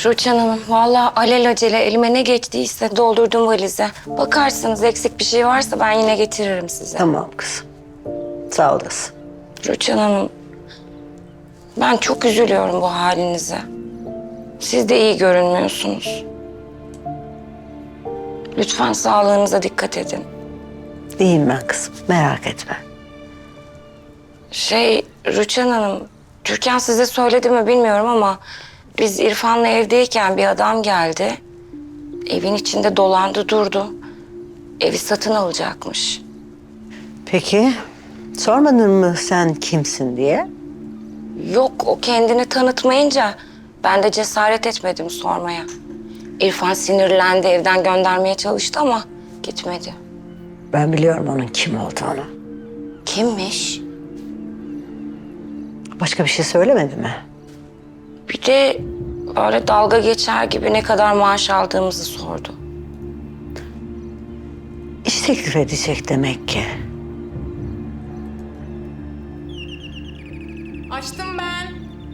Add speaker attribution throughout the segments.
Speaker 1: Rüçhan Hanım, vallahi alelacele elime ne geçtiyse doldurdum valize. Bakarsınız eksik bir şey varsa ben yine getiririm size.
Speaker 2: Tamam kızım. Sağ olasın.
Speaker 1: Rüçhan Hanım, ben çok üzülüyorum bu halinize. Siz de iyi görünmüyorsunuz. Lütfen sağlığınıza dikkat edin.
Speaker 2: İyiyim ben kızım. Merak etme.
Speaker 1: Rüçhan Hanım, Türkan size söyledi mi bilmiyorum ama biz İrfan'la evdeyken bir adam geldi. Evin içinde dolandı durdu. Evi satın alacakmış.
Speaker 2: Peki sormadın mı sen kimsin diye?
Speaker 1: Yok, o kendini tanıtmayınca ben de cesaret etmedim sormaya. İrfan sinirlendi, evden göndermeye çalıştı ama gitmedi.
Speaker 2: Ben biliyorum onun kim olduğunu.
Speaker 1: Kimmiş?
Speaker 2: Başka bir şey söylemedi mi?
Speaker 1: Bir de böyle dalga geçer gibi ne kadar maaş aldığımızı sordu.
Speaker 2: İş teklif edecek demek ki.
Speaker 3: Açtım ben.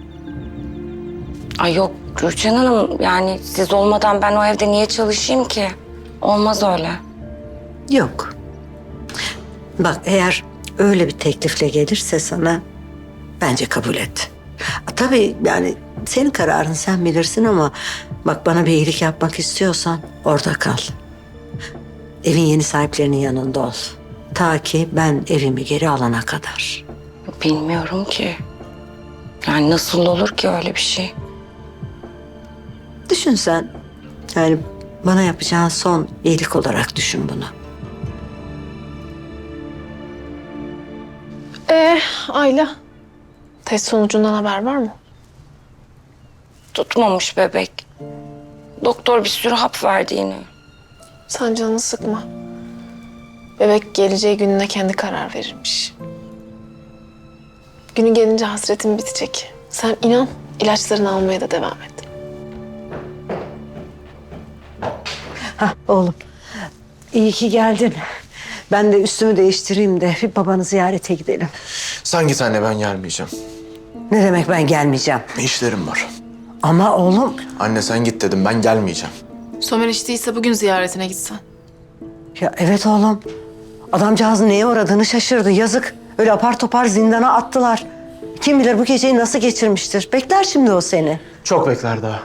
Speaker 1: Ay yok Rüçhan Hanım, yani siz olmadan ben o evde niye çalışayım ki? Olmaz öyle.
Speaker 2: Yok. Bak eğer öyle bir teklifle gelirse sana bence kabul et. Tabii yani senin kararın sen bilirsin ama bak bana bir iyilik yapmak istiyorsan orada kal. Evin yeni sahiplerinin yanında ol. Ta ki ben evimi geri alana kadar.
Speaker 1: Bilmiyorum ki. Yani nasıl olur ki öyle bir şey?
Speaker 2: Düşün sen. Yani bana yapacağın son iyilik olarak düşün bunu.
Speaker 3: Ayla. Test sonucundan haber var mı?
Speaker 1: Tutmamış bebek. Doktor bir sürü hap verdi yine.
Speaker 3: Sen canını sıkma. Bebek geleceği gününe kendi karar verirmiş. Günü gelince hasretin bitecek. Sen inan, ilaçlarını almaya da devam et.
Speaker 2: Hah oğlum. İyi ki geldin. Ben de üstümü değiştireyim de bir babanı ziyarete gidelim.
Speaker 4: Sen git anne, ben gelmeyeceğim.
Speaker 2: Ne demek ben gelmeyeceğim?
Speaker 4: İşlerim var.
Speaker 2: Ama oğlum.
Speaker 4: Anne sen git dedim, ben gelmeyeceğim.
Speaker 3: Somer içtiyse bugün ziyaretine gitsen.
Speaker 2: Ya evet oğlum. Adamcağızın neye uğradığını şaşırdı. Yazık. Öyle apar topar zindana attılar. Kim bilir bu geceyi nasıl geçirmiştir. Bekler şimdi o seni.
Speaker 4: Çok bekler daha.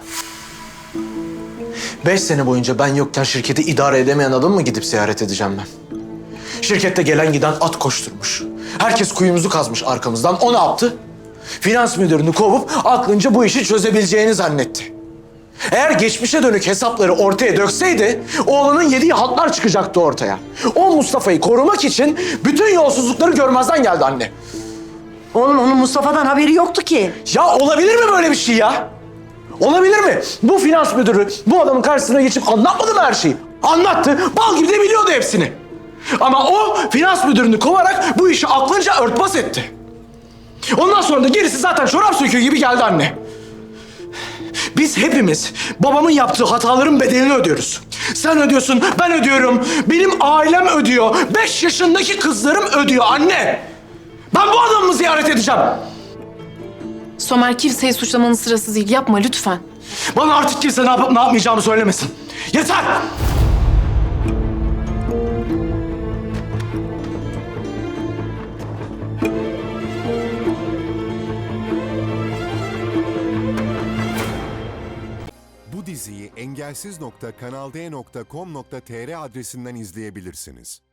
Speaker 4: 5 sene boyunca ben yokken şirketi idare edemeyen adamı mı gidip ziyaret edeceğim ben? Şirkette gelen giden at koşturmuş. Herkes kuyumuzu kazmış arkamızdan. O ne yaptı? Finans müdürünü kovup aklınca bu işi çözebileceğini zannetti. Eğer geçmişe dönük hesapları ortaya dökseydi, oğlunun yediği haltlar çıkacaktı ortaya. O Mustafa'yı korumak için bütün yolsuzlukları görmezden geldi anne.
Speaker 2: Oğlum onun Mustafa'dan haberi yoktu ki.
Speaker 4: Ya olabilir mi böyle bir şey ya? Olabilir mi? Bu finans müdürü bu adamın karşısına geçip anlatmadı mı her şeyi? Anlattı. Bal gibi de biliyordu hepsini. Ama o finans müdürünü kovarak bu işi aklınca örtbas etti. Ondan sonra da gerisi zaten çorap söküğü gibi geldi anne. Biz hepimiz babamın yaptığı hataların bedelini ödüyoruz. Sen ödüyorsun, ben ödüyorum. Benim ailem ödüyor. 5 yaşındaki kızlarım ödüyor anne. Ben bu adamı mı ziyaret edeceğim?
Speaker 3: Somer kimseyi suçlamanın sırası değil. Yapma lütfen.
Speaker 4: Bana artık kimse ne yapıp ne yapmayacağımı söylemesin. Yeter!
Speaker 5: Bu diziyi engelsiz.kanalde.com.tr adresinden izleyebilirsiniz.